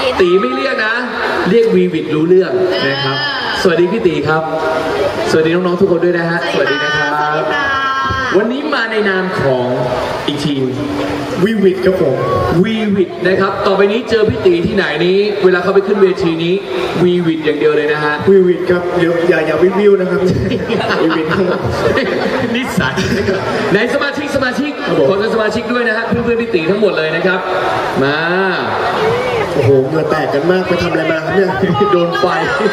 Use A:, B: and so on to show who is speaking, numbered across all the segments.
A: ตีไม่เรียกนะเรียกวีวิดรู้เรื่องนะครับสวัสดีพี่ตีครับสวัสดีน้องๆทุกคนด้วยนะฮะสวัสดีนะครับวันนี้มาในนามของอีกทีม
B: วีวิดครับผม
A: วีวิดนะครับต่อไปนี้เจอพี่ตีที่ไหนนี้เวลาเขาไปขึ้นเวทีนี้วีวิดอย่างเดียวเลยนะฮะ
B: วีวิดครับอย่าวิวนะครับวีวิด
A: นิสัยไหนสมาชิกขอสมาชิกด้วยนะฮะเพื่อนๆพี่ตีทั้งหมดเลยนะครับมา
B: โอ้โหเหงื่อแตกกันมากไปทำอะไรมาครับเนี่ย
A: โดนไฟ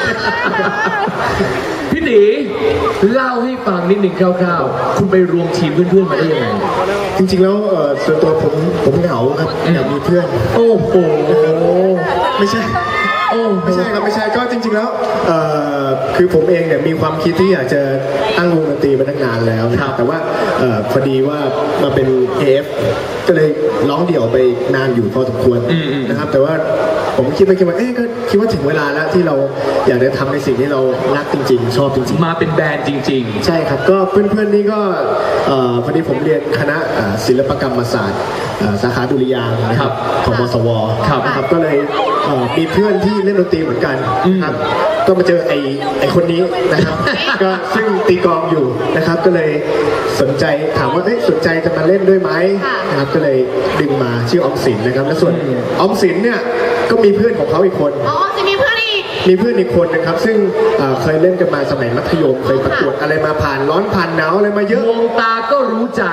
A: พี่ตีเล่าให้ฟังนิดหนึ่งคร่าวๆคุณไปรวมทีมเพื่อนๆมาได้ยังไง
B: จริงๆแล้วส่วนตัวผมเหงาครับอยากมีเพื่อน
A: โอ้โห
B: ไม่ใช่ครับไม่ใช่ก็จริงๆแล้วคือผมเองเนี่ยมีความคิดที่อยากจะตั้งวงดนตรีมาตั้งนานแล้วนะครับแต่ว่าพอดีว่ามาเป็น AF ก็เลยร้องเดี่ยวไปนานอยู่พอสมควรนะครับแต่ว่าผมคิดว่าก็คิดว่าถึงเวลาแล้วที่เราอยากจะทำในสิ่งที่เรารักจริงๆชอบจริง
A: ๆมาเป็นแบรนด์จริง
B: ๆใช่ครับก็เพื่อนๆนี่ก็พอดีผมเรียนคณะศิลปกรรมศาสตร์สาขาดุริยางค์นะครับของมศวนะครับก็เลยมีเพื่อนที่เล่นดนตรีเหมือนกันครับก็มาเจอไอ้คนนี้นะครับก็ซึ่งตีกลองอยู่นะครับก็เลยสนใจถามว่าสนใจจะมาเล่นด้วยไหมนะครับก็เลยดึงมาชื่อออมสินนะครับและส่วนออมสินเนี่ยก็มีเพื่อนของเขาอีกคน
C: จะมีเพื่อน
B: อีกคนนะครับซึ่งเคยเล่นกันมาสมัยมัธยมเคยประกวดอะไรมาผ่านร้อนผ่านหนาวอะไรมาเยอะ
A: มองตาก็รู้ใจ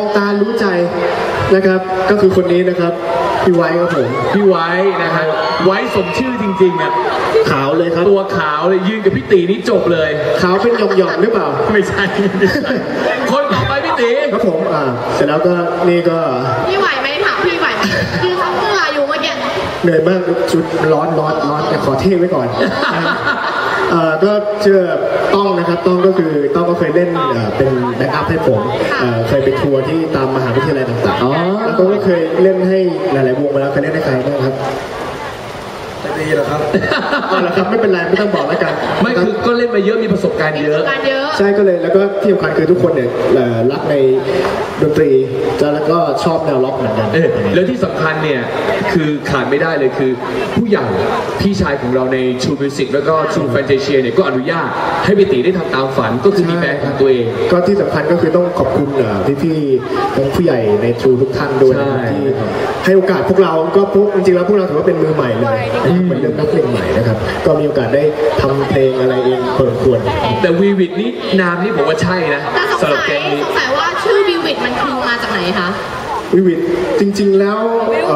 B: นะครับก็คือคนนี้นะครับพี่ไว้ครับผม
A: พี่ไว้นะฮะไว้สมชื่อจริงๆอ่ะ
B: ขาวเลยครับ
A: ตัวขาวเลยยืนกับพี่ตีนี่จบเลย
B: ขาวเป็นหย่อมๆหรือเปล่า
A: ไม่ใช่คนต่อไปพี่ตี
B: ครับผมเสร็จแล้วก็นี่ก็
C: พี่ไหวไหมถามพี่ไหวไหมคือทำเมื่ออยู่เมื่อกี้
B: เหนื่อยมากชุดร้อนแต่ขอเท่ไว้ก่อนก็เชื่อต้องนะครับต้องก็เคยเล่นเป็นแบ็กอัพให้ผมเคยไปทัวร์ที่ตามมหาวิทยาลัยต่างๆแล้วก็เคยเล่นให้หลายๆวงมาแล้วเคยเล่นให้ใครบ้างครับจะดีเหรอครับแล้วครับไม่เป็นไรไม่ต้องบอกแล้วกัน
A: ไม่คือก็เล่นมาเยอะมีประสบการณ์เยอะ
B: ใช่ก็เลยแล้วก็ที่สำคัญคือทุกคนเนี่ยรักในดนตรีแล้วก็ชอบแนวล็อกเหมือนกัน
A: แล้วที่สำคัญเนี่ยคือขาดไม่ได้เลยคือผู้ใหญ่พี่ชายของเราในชูมิวสิกแล้วก็ชูแฟนเทเชียเนี่ยก็อนุญาตให้พี่ตีได้ทำตามฝันก็คือมีแบรนด์ของตัวเอง
B: ก็ที่สำคัญก็คือต้องขอบคุณพี่ทั้งผู้ใหญ่ในชูทุกท่านด้วยที่ให้โอกาสพวกเราก็จริงๆแล้วพวกเราถือว่าเป็นมือใหม่เลยเป็นเรื่องนักเพลงใหม่นะครับก็มีโอกาสได้ทำเพลงอะไรเองพอสมควร
A: แต่วีวิดนี่นามนี่ผมว่าใช่นะ
C: สำหรับแกงนี้สงสัยว่าชื่อวีวิดมันคือมาจากไหนคะ
B: วีวิดจริงๆแล้ว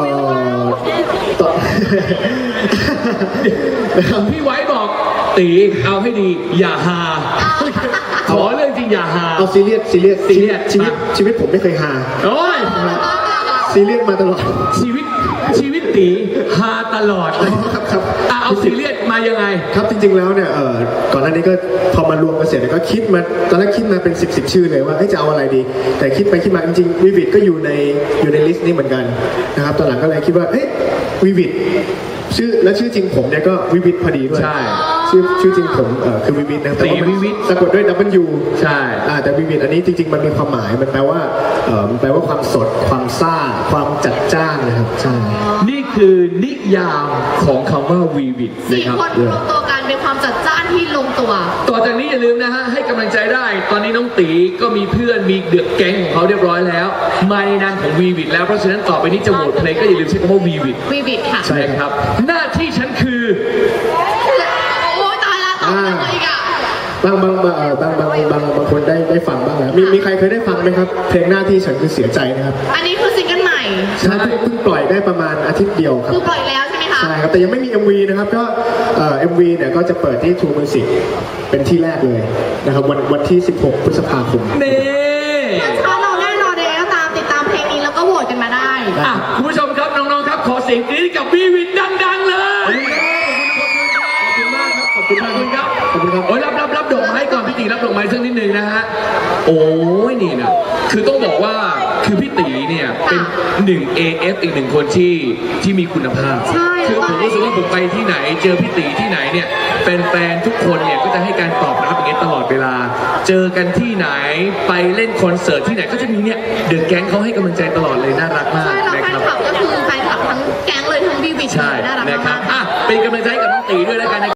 A: พี่ไว้บอกตีเอาให้ดีอย่าฮาขอเรื่องจริงอย่าฮา
B: เอาซีเรียสชีวิตผมไม่เคยฮา
A: โอ้ย
B: ซีเรียสมาตลอด
A: ชีวิตตีฮาตลอด
B: ครับ
A: เอาซีเรียสมายังไง
B: ครับจริงๆแล้วเนี่ยก่อนหน้านี้ก็พอมารวมกันเสร็จก็คิดมาตอนแรกคิดมาเป็น10ชื่อเลยว่าจะเอาอะไรดีแต่คิดไปคิดมาจริงๆวีวิดก็อยู่ในลิสต์นี้เหมือนกันนะครับตอนหลังก็เลยคิดว่าวีวิดชื่อจริงผมเนี่ยก็วิวิทพอดีด้วย
A: ใช่
B: ชื่อจริงผมคือวิวิทนะแต่ว่า
A: วิวิท
B: สะกดด้วย W
A: ใช่
B: แต่วิวิทอันนี้จริงๆมันมีความหมายมันแปลว่าความสดความซ่าความจัดจ้านนะครับใช่
A: นี่คือนิยามของคำว่าวีวิทนะครับ
C: 4 คนรวมตัวกันเป็นความจัดจ้านที่ลงตัว
A: ต่อจากนี้อย่าลืมนะฮะให้กำลังใจได้ตอนนี้น้องตีก็มีเพื่อนมีเดือดแก๊งของเขาเรียบร้อยแล้วมาในนามของวีวิทแล้วเพราะฉะนั้นต่อไปนี้จะโหวตเพลงก็อย่าลืมใช้คำว่าวีวิ
C: ทค่ะ
A: ใช่ครับหน้าที่ฉันคือ
C: โอ้ยตายละต่อเลยอีกอะ
B: บางคนได้ฟังบ้างแล้วมีใครเคยได้ฟังไหมครับเพลงหน้าที่ฉันคือเสียใจนะครับ
C: อันนี้คือซิงเกิลใหม่
B: ใช่เพิ่งปล่อยได้ประมาณอาทิตย์เดียวครับ
C: คือปล่อยแล้วใช่ไหมคะ
B: ใช่ครับแต่ยังไม่มี MV นะครับก็MV เนี่ยก็จะเปิดที่ True Music เป็นที่แรกเลยนะครับวันที่16 พฤษภาคม
A: นี่
C: ถ้าเราแน่นอนเลยก็ตามติดตามเพลงนี้แล้วก็โหวตกันมาได้
A: คุณผู้ชมครับน้องๆครับขอเสียงกรี๊ดกับวีวิดดังๆเลยขอบคุณครับโอ้ยรับดอกไม้ก่อนพี่ตีรับดอกไม้สักนิดนึงนะฮะโอ้ยนี่นะคือต้องบอกว่าคือพี่ตีเนี่ยเป็น1 AF อีก1คนที่มีคุณภาพคือผมรู้สึกว่าผมไปที่ไหนเจอพี่ตีที่ไหนเนี่ยแฟนๆทุกคนเนี่ยก็จะให้การตอบรับอย่างเงี้ยตลอดเวลาเจอกันที่ไหนไปเล่นคอนเสิร์ตที่ไหนก็จะมีเนี่ยเดอะแก๊งเขาให้กำลังใจตลอดเลยน่ารักมาก
C: นะครับก็คือแฟนคลับทั้งแก๊งเลยทั้งวีวิดน่ารักมาก
A: เป็นกำลังใจให้กับน้องตีด้วยแล้วกันนะครับ